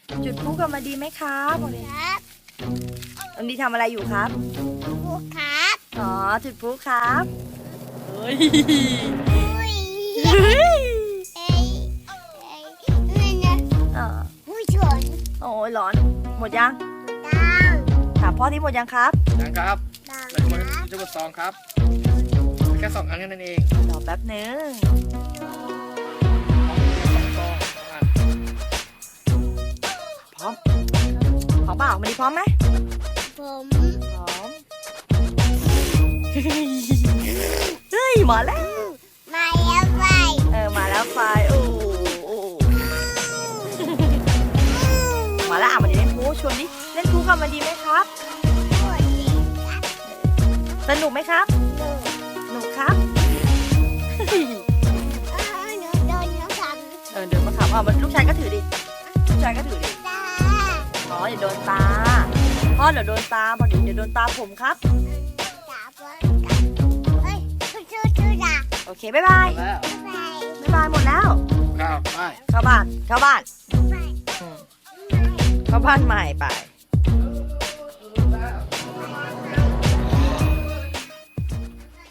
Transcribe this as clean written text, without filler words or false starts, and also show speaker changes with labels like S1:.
S1: จุดพลุกันมาดีไหมครับบอกเลย
S2: ครับ
S1: น้องดีทำอะไรอยู่ครับ
S2: ครูครับ
S1: อ๋อจุดพลุครับเฮ้ย
S2: อุ้ยเอ้ยนี่นะ
S1: อ๋อ
S2: ผู้ชน
S1: โอ้ยร้อนหมดยัง
S2: ดัง
S1: ถามพ่อที่หมดยังครับ
S3: ยังครับ
S2: ดัง
S3: เป็นคน
S2: ครับ
S3: จะกดซองครับแค่2 อันแค่นั้นเอง
S1: รอแป๊บนึง
S3: 2 ซอง
S1: พร้อมพร้อมเปล่ามาดีพร้อมไหม
S2: ผม
S1: พร้อม เฮ้ยมาแล้ว
S2: มาแล้วไป
S1: มาแล้วไฟโอ้โอ้มาแล้วมาดีเล่นพลุชวนดิเล่นพลุกันมาดีไหมครับ
S2: ผู้หญิงครับ
S1: สนุกไหมครับ
S2: หนู
S1: สนุกครับ
S2: หนูโดนน้ำท
S1: เดินมาขับเอาลูกชายก็ถือดิลูกชายก็ถือดิ
S2: ำตา
S1: อ๋ออย่าโดนตาพ่อเดี๋ยวโดนตาพอดีเดี๋ยวโดนตาผมครับ
S2: ตาบอลกันเฮ้ยชูด่า
S1: โอเคบ๊ายบาย
S3: แล้ว
S2: ไป
S1: บ๊ายบายหมดแล้ว
S3: ครับไป
S1: เข้าบ้านเข้าบ้าน
S2: ไป
S1: เข้าบ้านใหม่ไป